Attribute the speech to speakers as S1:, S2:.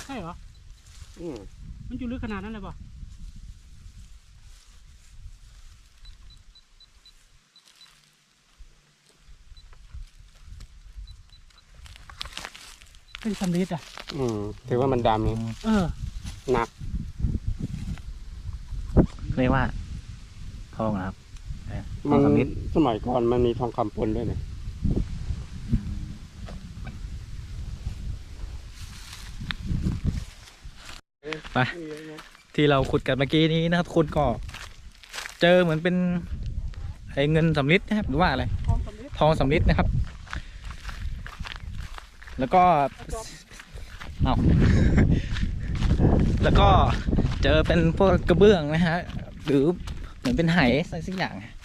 S1: ใช่เหรอ
S2: อืม
S1: มันอยู่ลึกขนาดนั้นเลยป่ะเป็นสำลีอ่ะ
S2: ถือว่ามันดำ หนัก
S3: เรียกว่าทองนะครับท
S2: มั
S3: อง
S2: น
S3: คำนิด
S2: สมัยก่อนมันมีทองคำปนด้วยเนี่ย
S3: ไปที่เราขุดกันเมื่อกี้นี้นะครับคุณก็เจอเหมือนเป็นไอ้เงินสำริดนะครับหรือว่าอะไร
S1: ทองสำลี
S3: ทองสำริดนะครับ แล้วก็เอา แล้วก็เจอเป็นพวกกระเบื้องนะฮะหรือเหมือนเป็นไหอะไรสักอย่าง